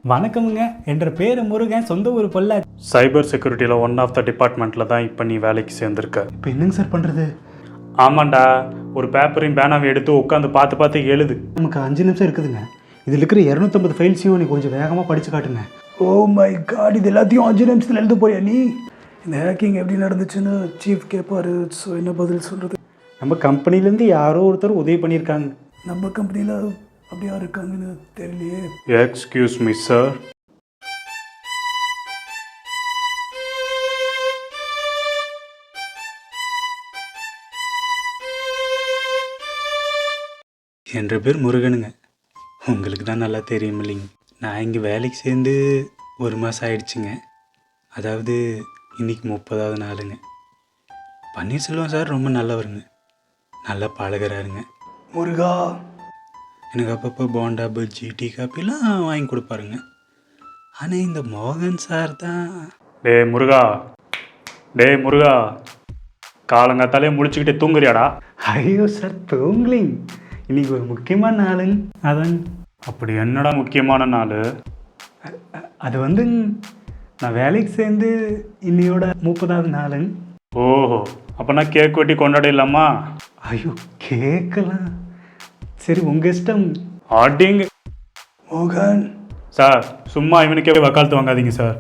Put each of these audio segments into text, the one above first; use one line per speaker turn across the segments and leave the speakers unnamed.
வணக்கமுங்க. என்ற பேர் முருகன். சொந்த ஊர் பொள்ளாச்சி.
சைபர் செக்யூரிட்டியில் ஒன் ஆஃப் த டிபார்ட்மெண்ட்டில் தான் இப்போ நீ வேலைக்கு சேர்ந்துருக்க.
இப்போ என்னங்க சார் பண்ணுறது?
ஆமாண்டா, ஒரு பேப்பரையும் பேனாவை எடுத்து உட்காந்து பார்த்து பார்த்து எழுது.
நமக்கு 5 நிமிஷம் இருக்குதுங்க. இதில் இருக்கிற 250 ஃபைல்ஸையும் நீ கொஞ்சம் வேகமாக படித்து காட்டுங்க.
ஓ மை காட், இது எல்லாத்தையும் 5 நிமிஷத்தில் எழுத போறியா நீ? இந்த ஹேக்கிங் எப்படி நடந்துச்சுன்னு சீஃப் கேட்பாரு. ஸோ என்ன பதில் சொல்கிறது?
நம்ம கம்பெனிலேருந்து யாரோ ஒருத்தர் உதவி பண்ணியிருக்காங்க.
நம்ம கம்பெனியில் அப்படி யார் இருக்காங்கன்னு தெரியலையே.
Excuse me sir.
என்ற பேர் முருகனுங்க. உங்களுக்கு தான் நல்லா தெரியும் இல்லைங்க. நான் இங்கே வேலைக்கு சேர்ந்து 1 மாதம் ஆயிடுச்சுங்க. அதாவது இன்றைக்கி 30வது நாளுங்க. பன்னீர்செல்வம் சார் ரொம்ப நல்லவருங்க, நல்லா பழகிறாருங்க.
முருகா,
எனக்கு அப்பப்போ போண்டா பஜ்ஜி டீ காப்பிலாம் வாங்கி கொடுப்பாருங்க. ஆனால் இந்த மோகன் சார் தான்.
டே முருகா, காலங்காத்தாலே முழிச்சுக்கிட்டே தூங்குறியாடா?
ஐயோ சார், தூங்கலிங். இன்னைக்கு ஒரு முக்கியமான நாளுங்க. அதான்.
அப்படி என்னடா முக்கியமான நாள்?
அது வந்து நான் வேலைக்கு சேர்ந்து இன்னையோட 30வது நாளுங்க.
ஓஹோ, அப்போனா கேக் வெட்டி கொண்டாடிடலாமா?
ஐயோ, கேட்கலாம். சரி, உங்கள் இஷ்டம்.
ஆட்டிங்க
மோகன்
சார், சும்மா இவனுக்கே வக்காலத்து வாங்காதீங்க சார்.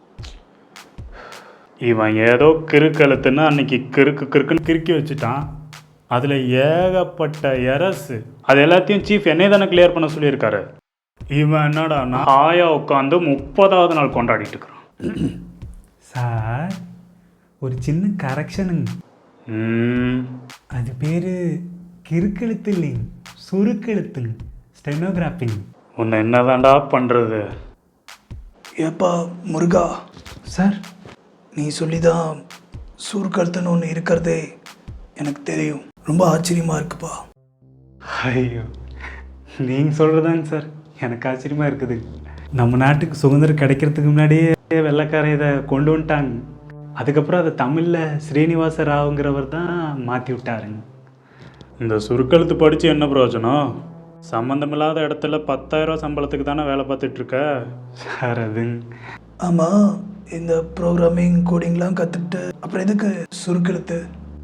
இவன் ஏதோ கிறுக்கழுத்துன்னு அன்னைக்கு கிறுக்குன்னு கிறுக்கி வச்சுட்டான். அதில் ஏகப்பட்ட எரசு. அது எல்லாத்தையும் சீஃப் என்னை தானே கிளியர் பண்ண சொல்லியிருக்காரு. இவன் என்னடானா ஆயா உட்காந்து 30வது நாள் கொண்டாடிட்டு இருக்கிறான்.
சார், ஒரு சின்ன கரெக்ஷனுங்க. அது பேர் கிறுக்கெழுத்து இல்லைங்க, சுருக்கெழுத்துங்க, ஸ்டெனோகிராஃபிங்.
உன்னை என்னதான்டா பண்ணுறது?
ஏப்பா முருகா
சார்,
நீ சொல்லி தான் சூர்கழுத்துன்னு ஒன்று இருக்கிறதே எனக்கு தெரியும். ரொம்ப ஆச்சரியமாக இருக்குப்பா.
ஐயோ, நீங்கள் சொல்கிறதாங்க சார் எனக்கு ஆச்சரியமாக இருக்குது. நம்ம நாட்டுக்கு சுதந்திரம் கிடைக்கிறதுக்கு முன்னாடியே வெள்ளைக்காரன் இதை கொண்டு வந்துட்டாங்க. அதுக்கப்புறம் அதை தமிழில் ஸ்ரீனிவாச ராவுங்கிறவர் தான் மாற்றி விட்டாருங்க.
இந்த சுருக்கெழுத்து படித்து என்ன பிரயோஜனம்? சம்மந்தமில்லாத இடத்துல 10,000 சம்பளத்துக்கு தானே வேலை பார்த்துட்ருக்க
சார். அதுங்க.
ஆமாம், இந்த ப்ரோக்ராமிங் கோடிங்லாம் கற்றுக்கிட்டு அப்புறம் எதுக்கு சுருக்கெழுத்து?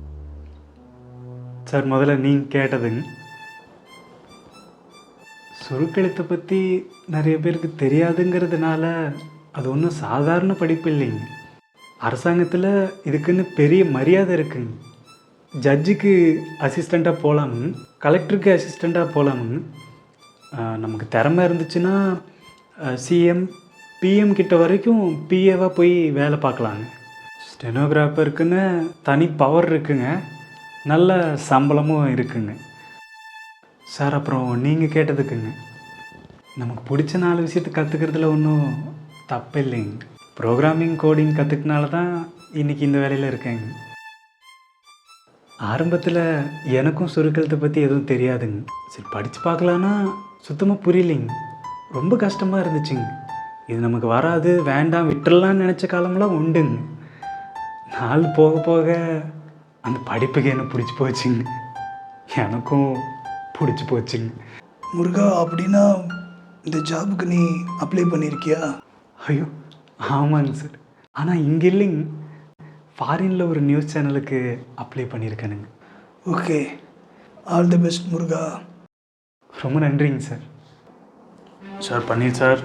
சார், முதல்ல நீங்கள் கேட்டதுங்க. சுருக்கெழுத்தை பற்றி நிறைய பேருக்கு தெரியாதுங்கிறதுனால அது ஒன்றும் சாதாரண படிப்பு இல்லைங்க. அரசாங்கத்தில் இதுக்குன்னு பெரிய மரியாதை இருக்குங்க. ஜட்ஜுக்கு அசிஸ்டண்ட்டாக போகலாமுங்க, கலெக்டருக்கு அசிஸ்டண்ட்டாக போகலாமுங்க. நமக்கு திறமை இருந்துச்சுன்னா சிஎம் பிஎம் கிட்ட வரைக்கும் பிஏவாக போய் வேலை பார்க்கலாங்க. ஸ்டெனோகிராஃபருக்குன்னு தனி பவர் இருக்குங்க, நல்ல சம்பளமும் இருக்குங்க. சார், அப்புறம் நீங்கள் கேட்டதுக்குங்க, நமக்கு பிடிச்ச 4 விஷயத்தை கற்றுக்கிறதுல ஒன்றும் தப்பு இல்லைங்க. ப்ரோக்ராமிங் கோடிங் கற்றுக்கினால தான் இன்றைக்கி இந்த வேலையில் இருக்கேங்க. ஆரம்பத்தில் எனக்கும் சுருக்கெழுத்தை பற்றி எதுவும் தெரியாதுங்க. சரி, படித்து பார்க்கலான்னா சுத்தமாக புரியலைங்க. ரொம்ப கஷ்டமாக இருந்துச்சுங்க. இது நமக்கு வராது, வேண்டாம், விட்டுடலான்னு நினச்ச காலம்லாம் உண்டுங்க. நாள் போக போக அந்த படிப்புக்கு என்ன பிடிச்சி போச்சுங்க, எனக்கும் பிடிச்சி போச்சுங்க.
முருகா, அப்படின்னா இந்த ஜாபுக்கு நீ அப்ளை பண்ணியிருக்கியா?
ஐயோ, ஆமாங்க சார். ஆனால் இங்கே இல்லைங்க, ஃபாரினில் ஒரு நியூஸ் சேனலுக்கு அப்ளை பண்ணியிருக்கேனுங்க.
ஓகே, ஆல் தி பெஸ்ட் முருகா.
ரொம்ப நன்றிங்க sir.
Sir, Panneer sir.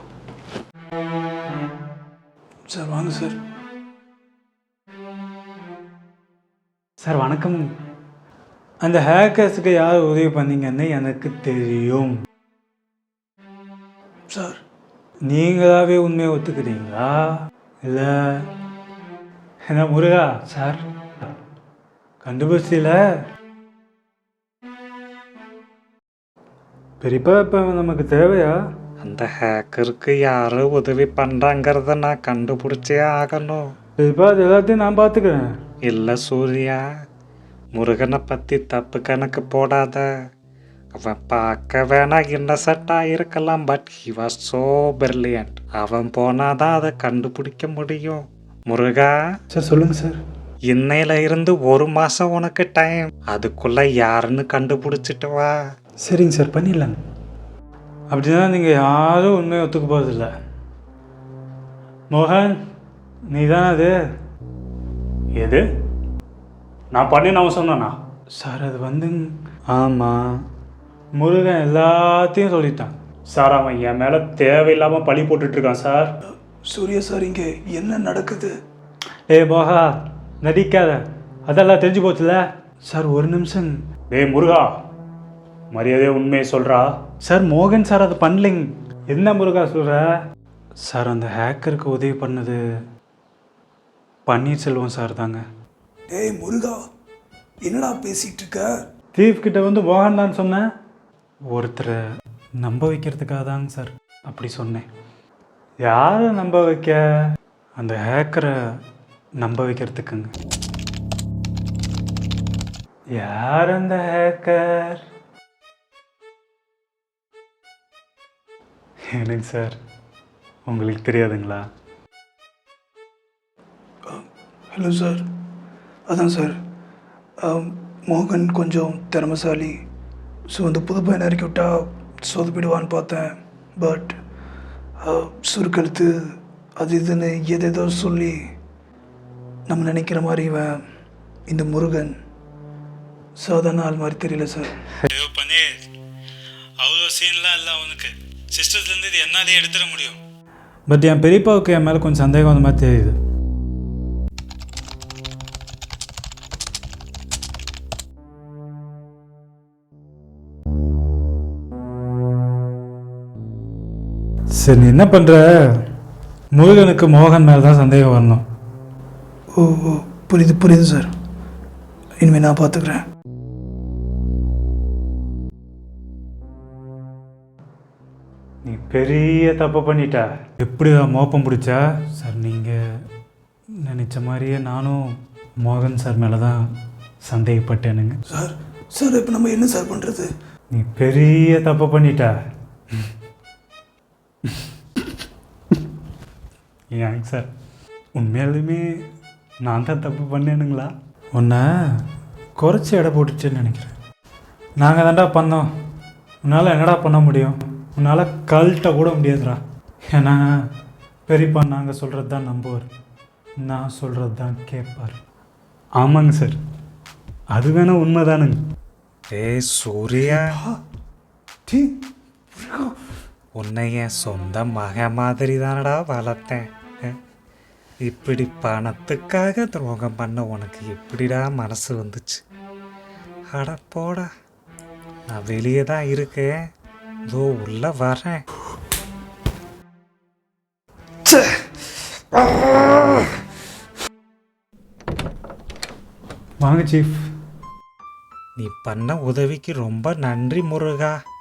Sir வாங்க சார்.
சார் வணக்கம். அந்த ஹேக்கர்ஸுக்கு யார் உதவி பண்ணீங்கன்னு எனக்கு தெரியும்.
சார்,
நீங்களாவே உண்மையை ஒத்துக்கிறீங்களா இல்லை என்ன முருகா சார் கண்டுபிடிச்சில? பெரியப்பா இப்போ நமக்கு தேவையா?
அந்த ஹேக்கருக்கு யார் உதவி பண்ணுறாங்கிறத நான் கண்டுபிடிச்சே ஆகணும்.
பெரியப்பா, அது எல்லாத்தையும் நான் பார்த்துக்கிறேன்.
இல்லை சூர்யா, முருகனை பற்றி தப்பு கணக்கு போடாத. அவன் பார்க்க வேணா இன்னசென்ட்டாக இருக்கலாம், but he was so brilliant. அவன் போனாதான் அதை கண்டுபிடிக்க முடியும். முருகா
சார், சொல்லுங்கள் சார்.
இன்னையில இருந்து 1 மாதம் உனக்கு டைம். அதுக்குள்ளே யாருன்னு கண்டுபிடிச்சிட்டு வா.
சரிங்க சார், பண்ணிடலாங்க. அப்படின்னா நீங்கள் யாரும் உண்மையை ஒத்துக்க போகிறதில்ல. மோகன், நீ தானே அது?
எது? நான் பண்ணேன்னு அவன் சொன்னானா?
சார் அது வந்து ஆமாம், முருகன் எல்லாத்தையும் சொல்லிட்டான்.
சார் அவன் என் மேலே தேவையில்லாமல் பழி போட்டுட்ருக்கான் சார்.
சூர்யா சார், இங்கே என்ன நடக்குது?
ஏய் மோகா, நடிக்காத, அதெல்லாம் தெரிஞ்சு போச்சுல. சார் ஒரு நிமிஷம்.
டேய் முருகா, மரியாதையை உண்மையை சொல்கிறா.
சார் மோகன் சார் அது பண்ணலிங்க. என்ன முருகா சொல்கிற? சார் அந்த ஹேக்கருக்கு உதவி பண்ணது பன்னீர்செல்வம் சார் தாங்க.
டேய் முருகா, என்னடா பேசிகிட்டு இருக்க?
தீஃப் கிட்ட வந்து மோகன் தான் சொன்னேன். ஒருத்தரை நம்ப வைக்கிறதுக்காக தாங்க சார் அப்படி சொன்னேன். யாரை நம்ப வைக்க? அந்த ஹேக்கரை நம்ப வைக்கிறதுக்குங்க. யார் அந்த ஹேக்கர்? என்னங்க சார், உங்களுக்கு தெரியாதுங்களா?
ஹலோ சார், அதான் சார், மோகன் கொஞ்சம் திறமைசாலி. ஸோ அந்த புது பையனை இறக்கி விட்டா சொதப்பிடுவான்னு பார்த்தேன். பட் சுருக்கெழுத்து அது இதுன்னு எதேதோ சொல்லி நம்ம நினைக்கிற மாதிரி இவன் இந்த முருகன் சாதாரண ஆள் மாதிரி தெரியல சார்.
ஐயோ பன்னீர், அவ்வளோ சீன்லாம் இல்லை அவனுக்கு. சிஸ்டர்ஸ்லேருந்து இது என்னாலே எடுத்துட முடியும். பட் என் பெரியப்பாவுக்கு என் மேலே கொஞ்சம் சந்தேகம் அந்த மாதிரி தெரியுது. சரி, நீ என்ன பண்ணுற? முருகனுக்கு மோகன் மேலே தான் சந்தேகம் வரணும்.
ஓ ஓ, புரியுது புரியுது சார். இனிமேல் நான் பார்த்துக்கிறேன்.
நீ பெரிய தப்பு பண்ணிட்ட. எப்படி மோப்பம் பிடிச்சா? சார் நீங்கள் நினச்ச மாதிரியே நானும் மோகன் சார் மேலே தான் சந்தேகப்பட்டேனுங்க.
சார் சார், இப்போ நம்ம என்ன சார் பண்ணுறது?
நீ பெரிய தப்பு பண்ணிட்ட. ஏங்க சார், உண்மையாலுமே நான் தான் தப்பு பண்ணேனுங்களா? உன்னை குறைச்சி எடை போட்டுச்சேன்னு நினைக்கிறேன். நாங்கள் தான்டா பண்ணோம், உன்னால் என்னடா பண்ண முடியும்? உன்னால் கழட்ட கூட முடியாதுடா. ஏன்னா பெரியப்பா நாங்கள் சொல்கிறது தான் நம்புவார், நான் சொல்கிறது தான் கேட்பார். ஆமாங்க சார், அது வேணால் உண்மைதானுங்க.
ஏய் சூர்யா,
டீ
உன்னை என் சொந்த மக மாதிரி தானடா வளர்த்தேன். இப்படி பணத்துக்காக துரோகம் பண்ண உனக்கு எப்படிடா மனசு வந்துச்சு? அட போடா, நான் வெளியே தான் இருக்கேன், இதோ உள்ள வரேன்.
வாங்க சீஃப்.
நீ பண்ண உதவிக்கு ரொம்ப நன்றி முருகா.